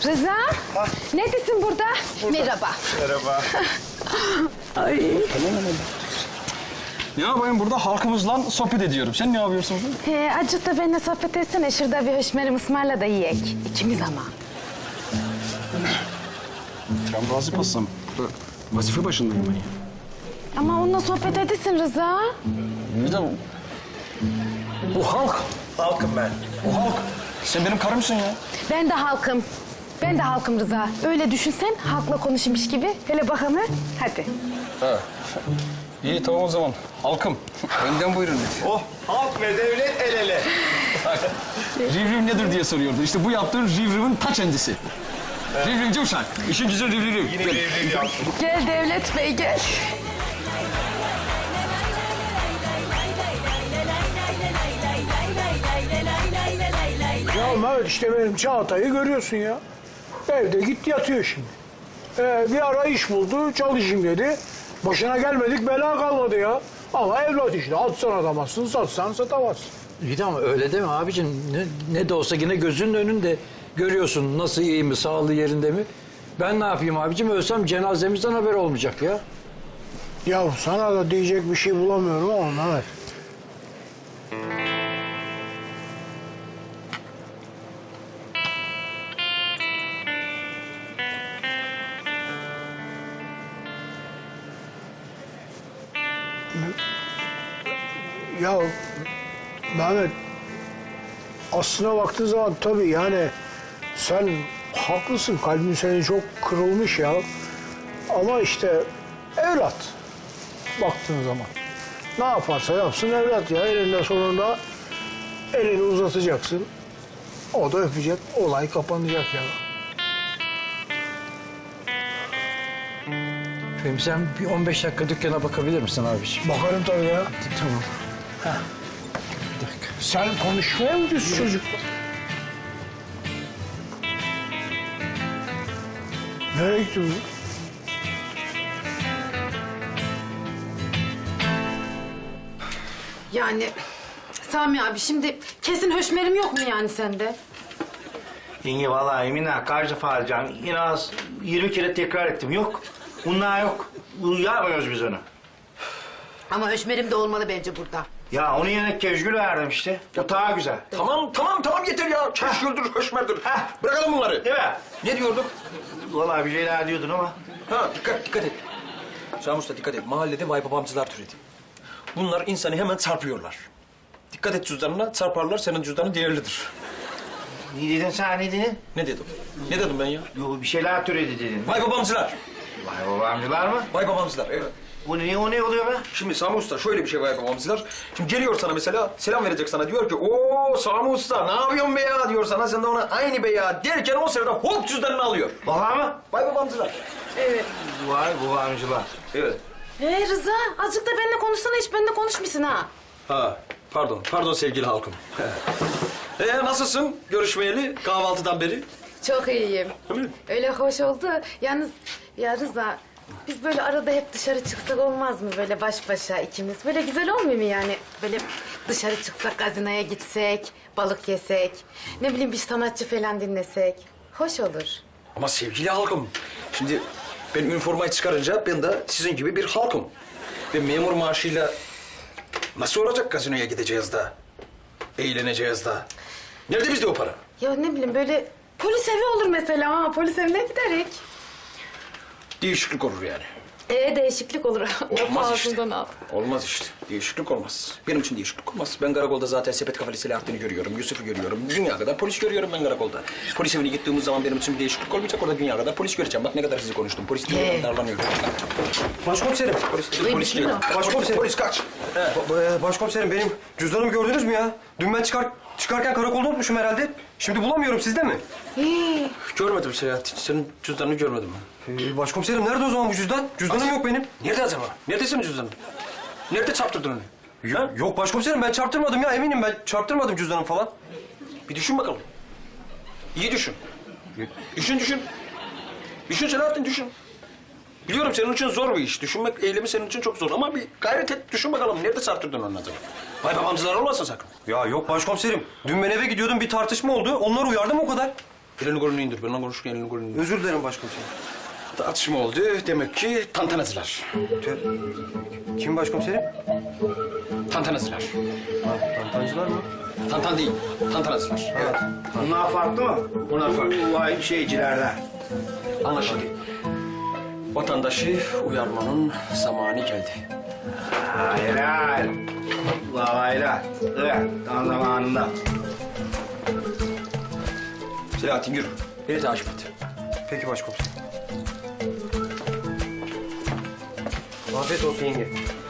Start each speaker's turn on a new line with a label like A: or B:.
A: Rıza, neredesin burada? Merhaba.
B: Merhaba.
A: Ay.
C: Ne yapayım burada halkımızla sohbet ediyorum. Sen ne yapıyorsun?
A: Acık da benimle sohbet etsene. Şurada bir höşmerim ısmarla da yiyek. İkimiz ama.
C: Frambuazlı pastam. Burada vazife başındayım ben ya.
A: Ama onunla sohbet edesin Rıza.
C: Neden? Bu halk.
B: Halkım ben.
C: O halk. Sen benim karımsın ya.
A: Ben de halkım. Ben de halkım Rıza. Öyle düşünsen halkla konuşmuş gibi. Hele bakalım. Hadi.
C: Ha. İyi tamam o zaman. Halkım. Önden buyurun.
B: Oh, halk ve devlet el ele.
C: Rivriv nedir diye soruyordu. İşte bu yaptığın Rivriv'in ta kendisi. Rivrivci uşak. İşin güzel Rivriv.
B: Yine devlet yaptım.
A: Gel Devlet Bey gel.
D: Ya Mehmet işte benim Çağatay'ı görüyorsun ya. Evde gitti yatıyor şimdi. Bir ara iş buldu, çalışayım dedi. Başına gelmedik bela kalmadı ya. Ama evlat işte, atsan atamazsın, satsan satamazsın.
E: İyi de ama öyle deme abicim. Ne de olsa yine gözünün önünde görüyorsun nasıl iyi mi, sağlığı yerinde mi? Ben ne yapayım abicim? Ölsem cenazemizden haber olmayacak ya.
D: Ya sana da diyecek bir şey bulamıyorum ama Mehmet. Ya Mehmet, aslına baktığın zaman tabii yani sen haklısın, kalbin senin çok kırılmış ya. Ama işte evlat baktığın zaman. Ne yaparsa yapsın evlat ya, elinde sonunda elini uzatacaksın. O da öpecek, olay kapanacak ya.
E: Efendim sen bir 15 dakika dükkana bakabilir misin abiciğim?
D: Bakarım tabii ya.
E: Tamam.
D: Bir dakika. Sen konuşmaya mı diyorsun çocukla? Nereye gitti bu?
A: Yani Sami abi şimdi kesin höşmerim yok mu yani sende?
B: Yenge vallahi Emine kaç defa arayacağım. Yine az 20 kere tekrar ettim. Yok. Bunlar yok. Yapmıyoruz biz onu.
A: Ama höşmerim de olmalı bence burada.
B: Ya onun yerine keşgül verdim işte. O daha güzel.
C: Tamam yeter ya. Keşgüldür, höşmerdir.
B: Heh.
C: Bırakalım bunları.
B: Değil mi?
C: Ne diyorduk?
B: Vallahi bir şeyler diyordun ama.
F: Ha dikkat et. Şamus'ta dikkat et. Mahallede vay babamcılar türedi. Bunlar insanı hemen çarpıyorlar. Dikkat et cüzdanına, çarparlar. Senin cüzdanın değerlidir.
B: Ne dedin sen ne dedin?
F: Ne dedim? Ne dedim ben ya?
B: Yo bir şeyler türedi dedin.
F: Vay babamcılar.
B: Vay babamcılar mı?
F: Vay babamcılar, evet.
B: Bu ne o ne oluyor be?
F: Şimdi Sami Usta şöyle bir şey vay babamcılar. Şimdi geliyor sana mesela, selam verecek sana. Diyor ki, ooo Sami Usta ne yapıyorsun be ya diyor sana. Sen de ona aynı be ya derken o sırada hop cüzdanını alıyor.
B: Vallahi mı?
F: Vay babamcılar.
A: Evet.
B: Vay babamcılar.
F: Evet.
A: Rıza azıcık da benimle konuşsana, hiç benimle konuşmuşsun ha.
F: Ha, pardon sevgili halkım. Nasılsın görüşmeyeli kahvaltıdan beri?
A: Çok iyiyim.
F: Değil mi?
A: Öyle hoş oldu. Yalnız ya Rıza, biz böyle arada hep dışarı çıksak olmaz mı? Böyle baş başa ikimiz. Böyle güzel olmuyor mu yani? Böyle dışarı çıksak, gazinoya gitsek, balık yesek, ne bileyim bir sanatçı falan dinlesek. Hoş olur.
F: Ama sevgili halkım, şimdi ben üniformayı çıkarınca ben de sizin gibi bir halkım. Ve memur maaşıyla nasıl olacak gazinoya gideceğiz de, eğleneceğiz de. Nerede bizde o para?
A: Ya ne bileyim böyle polis evi olur mesela ha. Polis evine giderek.
F: Değişiklik olur yani.
A: Değişiklik olur.
F: Olmaz işte.
A: Ağzından al.
F: Olmaz işte. Değişiklik olmaz. Benim için değişiklik olmaz. Ben karakolda zaten sepet kafalı Selahattin'i görüyorum, Yusuf'u görüyorum. Dünya kadar polis görüyorum ben karakolda. Polis evine gittiğimiz zaman benim için bir değişiklik olmayacak. Orada dünya kadar polis göreceğim. Bak ne kadar sizi konuştum. Polis diye darlanıyorum.
G: Başkomiserim.
F: Polis değil.
G: Başkomiserim.
F: Polis kaç.
G: Başkomiserim benim cüzdanımı gördünüz mü ya? Dün ben çıkarken karakolda unutmuşum herhalde. Şimdi bulamıyorum, sizde mi?
F: Görmedim Selahattin. Senin cüzdanını görmedim ben.
G: Başkomiserim nerede o zaman bu cüzdan? Cüzdanım yok benim.
F: Nerede acaba? Nerede senin cüzdanın? Nerede çarptırdın onu?
G: Yok başkomiserim ben çarptırmadım ya, eminim ben çarptırmadım cüzdanım falan.
F: Bir düşün bakalım. İyi düşün. Düşün. Düşün Selahattin, düşün. Biliyorum senin için zor bir iş. Düşünmek eylemi senin için çok zor ama bir gayret et. Düşün bakalım nerede çarptırdın onu acaba? Vay babamcılar olmasın sakın.
G: Ya yok başkomiserim. Dün ben eve gidiyordum, bir tartışma oldu. Onları uyardım o kadar.
F: Elini kolunu indir. Benimle konuşurken elini kolunu indir.
G: Özür dilerim başkomiserim.
F: Tartışma oldu. Demek ki tantanacılar.
G: Kim başkomiserim?
F: Tantanacılar.
G: Tantancılar mı?
F: Tantan değil. Tantanacılar. Evet.
B: Bunlar farklı mı?
F: Bunlar farklı.
B: Vay şeycilerden.
F: Anlaşıldı. Vatandaşı uyarmanın zamanı geldi.
B: Helal. Allah helal. Evet, tam zamanında.
F: Selahattin yürü. Beni takip et.
G: Peki başkomiserim. Afiyet olsun yenge.